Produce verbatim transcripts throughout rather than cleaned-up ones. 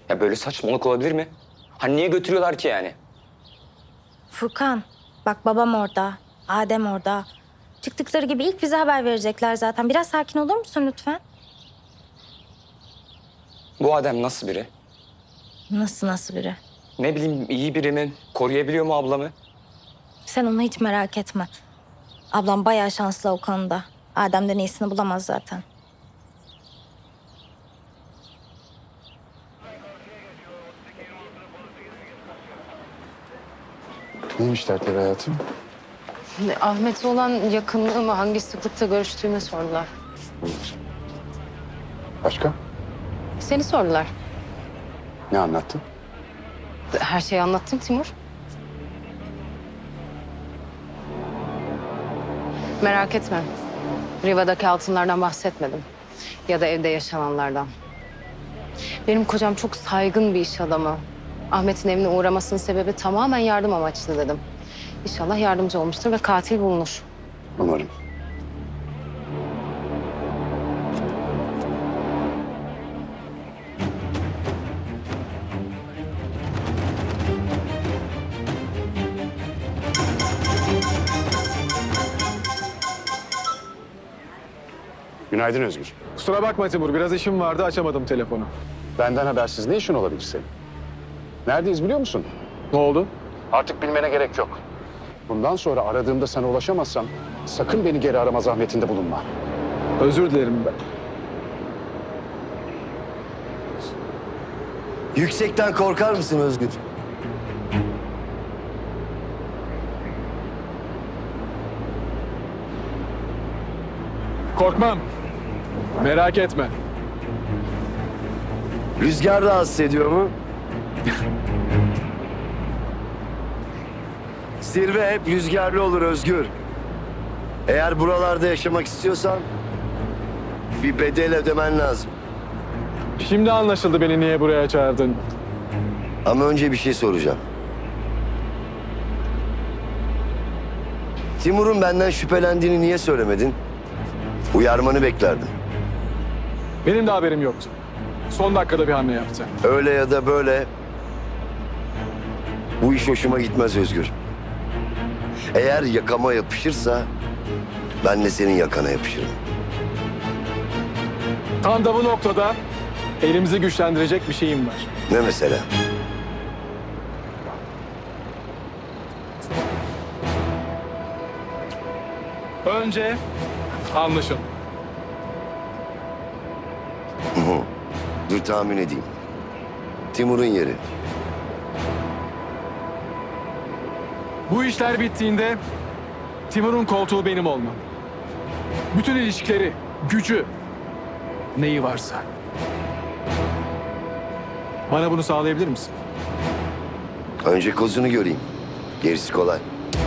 Ya böyle saçmalık olabilir mi? Hani niye götürüyorlar ki yani? Furkan, bak babam orada, Adem orada. Çıktıkları gibi ilk bize haber verecekler zaten. Biraz sakin olur musun lütfen? Bu Adem nasıl biri? Nasıl nasıl biri? Ne bileyim iyi biri mi? Koruyabiliyor mu ablamı? Sen onu hiç merak etme. Ablam bayağı şanslı o konuda. Adem'den iyisini bulamaz zaten. Neymiş dertleri hayatım? Ahmet'e olan yakınlığımı, hangi sıklıkta görüştüğümü sordular. Başka? Seni sordular. Ne anlattın? Her şeyi anlattım Timur. Merak etme. Riva'daki altınlardan bahsetmedim. Ya da evde yaşananlardan. Benim kocam çok saygın bir iş adamı. Ahmet'in evine uğramasının sebebi tamamen yardım amaçlı dedim. İnşallah yardımcı olmuştur ve katil bulunur. Umarım. Günaydın Özgür. Kusura bakma Timur, biraz işim vardı, açamadım telefonu. Benden habersiz ne işin olabilir senin? Neredeyiz biliyor musun? Ne oldu? Artık bilmene gerek yok. Bundan sonra aradığımda sana ulaşamazsam sakın beni geri arama zahmetinde bulunma. Özür dilerim ben. Yüksekten korkar mısın Özgür? Korkmam. Merak etme. Rüzgar rahatsız ediyor mu? Zirve hep rüzgarlı olur Özgür. Eğer buralarda yaşamak istiyorsan bir bedel ödemen lazım. Şimdi anlaşıldı beni niye buraya çağırdın. Ama önce bir şey soracağım. Timur'un benden şüphelendiğini niye söylemedin? Uyarmanı beklerdim. Benim de haberim yoktu. Son dakikada bir hamle yaptı. Öyle ya da böyle bu iş hoşuma gitmez Özgür. Eğer yakama yapışırsa ben de senin yakana yapışırım. Tam da bu noktada elimizi güçlendirecek bir şeyim var. Ne mesela? Önce anlaşın. Dur tahmin edeyim. Timur'un yeri. Bu işler bittiğinde Timur'un koltuğu benim olmam. Bütün ilişkileri, gücü, neyi varsa. Bana bunu sağlayabilir misin? Önce kozunu göreyim. Gerisi kolay.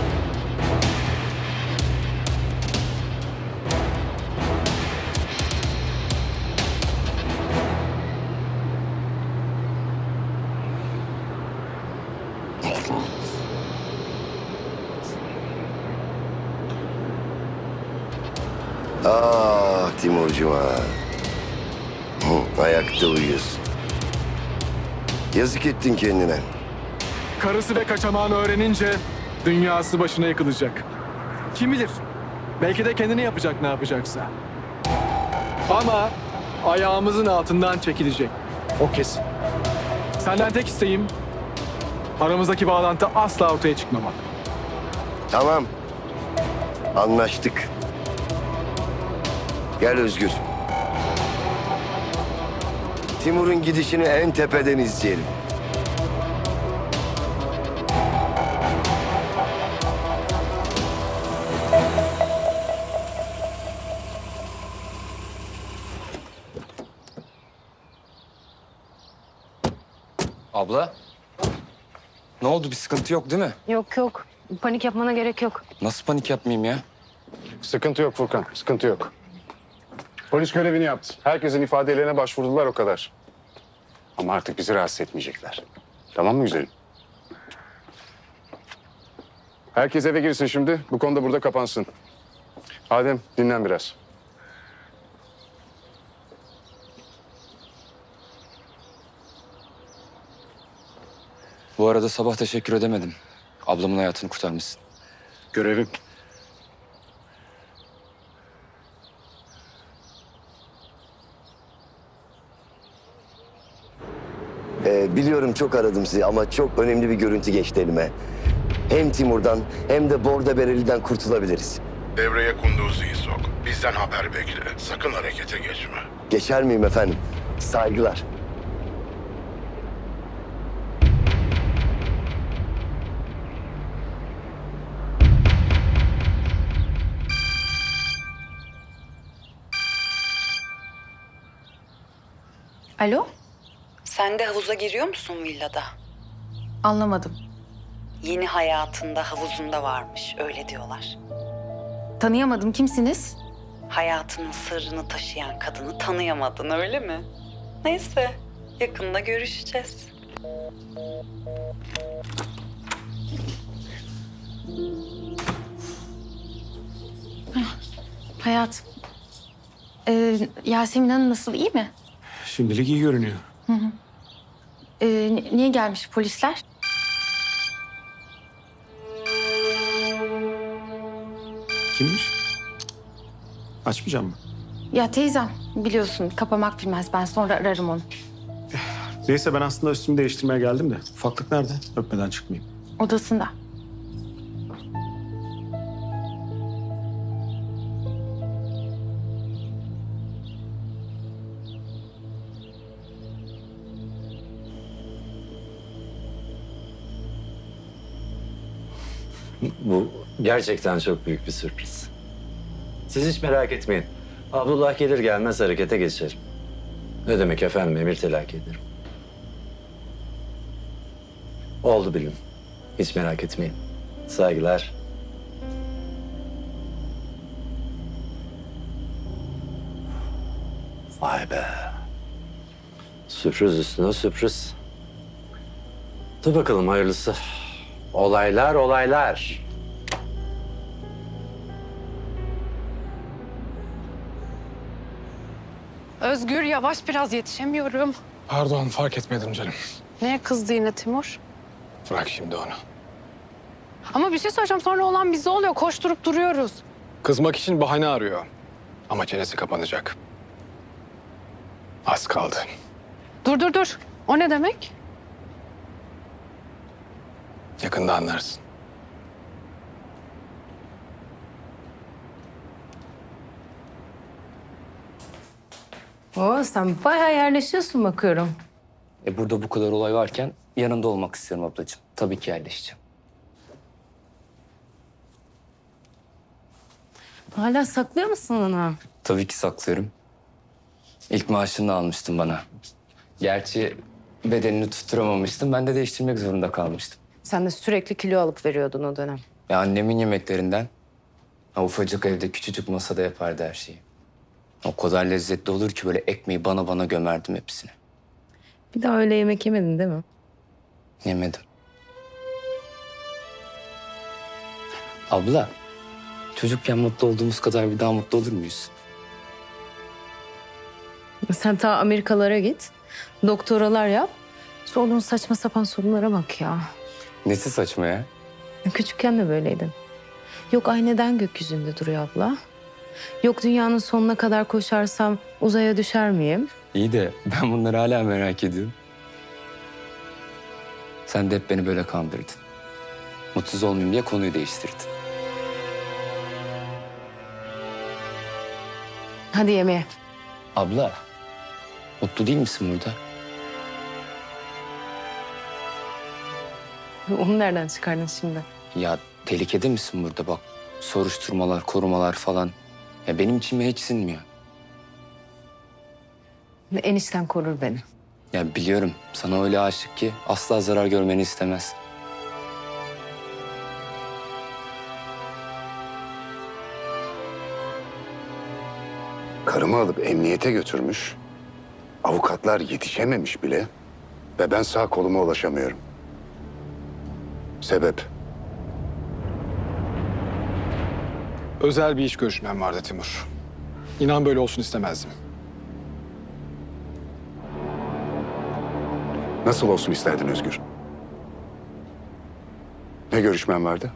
Ah Timurcuğum ha. Hı, ayakta uyuyorsun. Yazık ettin kendine. Karısı ve kaçamağını öğrenince dünyası başına yıkılacak. Kim bilir? Belki de kendini yapacak ne yapacaksa. Ama ayağımızın altından çekilecek. O kesin. Senden tek isteğim aramızdaki bağlantı asla ortaya çıkmamak. Tamam. Anlaştık. Gel Özgür. Timur'un gidişini en tepeden izleyelim. Abla? Ne oldu bir sıkıntı yok değil mi? Yok yok. Panik yapmana gerek yok. Nasıl panik yapmayayım ya? Sıkıntı yok Furkan, sıkıntı yok. Polis görevini yaptı. Herkesin ifadelerine başvurdular o kadar. Ama artık bizi rahatsız etmeyecekler. Tamam mı güzelim? Herkes eve girsin şimdi. Bu konuda burada kapansın. Adem dinlen biraz. Bu arada sabah teşekkür edemedim. Ablamın hayatını kurtarmışsın. Görevim. Ee, biliyorum çok aradım sizi ama çok önemli bir görüntü geçti elime. Hem Timur'dan hem de Borda Bereli'den kurtulabiliriz. Devreye Kunduzi'yi sok. Bizden haber bekle. Sakın harekete geçme. Geçer miyim efendim? Saygılar. Alo? Sen de havuza giriyor musun villada? Anlamadım. Yeni hayatında havuzunda varmış, öyle diyorlar. Tanıyamadım. Kimsiniz? Hayatının sırrını taşıyan kadını tanıyamadın, öyle mi? Neyse, yakında görüşeceğiz. Hayat. Ee, Yasemin Hanım nasıl? İyi mi? Şimdilik iyi görünüyor. Ee, ni- niye gelmiş polisler? Kimmiş? Açmayacağım mı? Ya teyzem biliyorsun kapamak bilmez. Ben sonra ararım onu. Neyse ben aslında üstümü değiştirmeye geldim de. Ufaklık nerede? Öpmeden çıkmayayım. Odasında. Bu gerçekten çok büyük bir sürpriz. Siz hiç merak etmeyin. Abdullah gelir gelmez harekete geçerim. Ne demek efendim, emir telakki ederim. Oldu bilin. Hiç merak etmeyin. Saygılar. Vay be. Sürpriz üstüne sürpriz. Dur bakalım hayırlısı. Olaylar olaylar. Özgür yavaş biraz, yetişemiyorum. Pardon fark etmedim canım. Neye kızdı yine Timur? Bırak şimdi onu. Ama bir şey söyleyeceğim, sonra olan bize oluyor. Koşturup duruyoruz. Kızmak için bahane arıyor. Ama çenesi kapanacak. Az kaldı. Dur dur dur. O ne demek? Yakında anlarsın. Oo, sen bayağı yerleşiyorsun bakıyorum. E burada bu kadar olay varken yanında olmak istiyorum ablacığım. Tabii ki yerleşeceğim. Hala saklıyor musun onu? Tabii ki saklıyorum. İlk maaşını da almıştın bana. Gerçi bedenini tutturamamıştım. Ben de değiştirmek zorunda kalmıştım. Sen de sürekli kilo alıp veriyordun o dönem. Ya annemin yemeklerinden. Ha, ufacık evde küçücük masada yapardı her şeyi. O kadar lezzetli olur ki böyle ekmeği bana bana gömerdim hepsini. Bir daha öyle yemek yemedin değil mi? Yemedim. Abla, çocukken mutlu olduğumuz kadar bir daha mutlu olur muyuz? Sen ta Amerikalara git. Doktoralar yap. Sorduğun saçma sapan sorunlara bak ya. Nesi saçma ya? Küçükken de böyleydin. Yok ay neden gökyüzünde duruyor abla? Yok dünyanın sonuna kadar koşarsam uzaya düşer miyim? İyi de ben bunları hala merak ediyorum. Sen de hep beni böyle kandırdın. Mutsuz olmayayım diye konuyu değiştirdin. Hadi yemeğe. Abla, mutlu değil misin burada? Onu nereden çıkardın şimdi? Ya tehlikede misin burada bak? Soruşturmalar, korumalar falan. Ya benim içime hiç sinmiyor. Enişten korur beni. Ya biliyorum sana öyle aşık ki asla zarar görmeni istemez. Karımı alıp emniyete götürmüş. Avukatlar yetişememiş bile. Ve ben sağ koluma ulaşamıyorum. Sebep? Özel bir iş görüşmem vardı Timur. İnan böyle olsun istemezdim. Nasıl olsun isterdin Özgür? Kimle görüşmen vardı?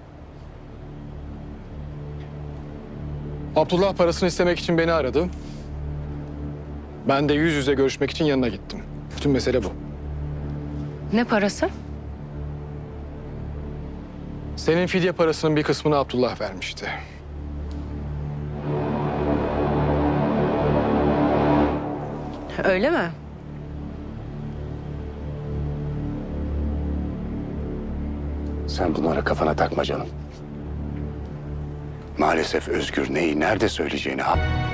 Abdullah parasını istemek için beni aradı. Ben de yüz yüze görüşmek için yanına gittim. Bütün mesele bu. Ne parası? Senin fidye parasının bir kısmını Abdullah vermişti. Öyle mi? Sen bunlara kafana takma canım. Maalesef Özgür neyi nerede söyleyeceğini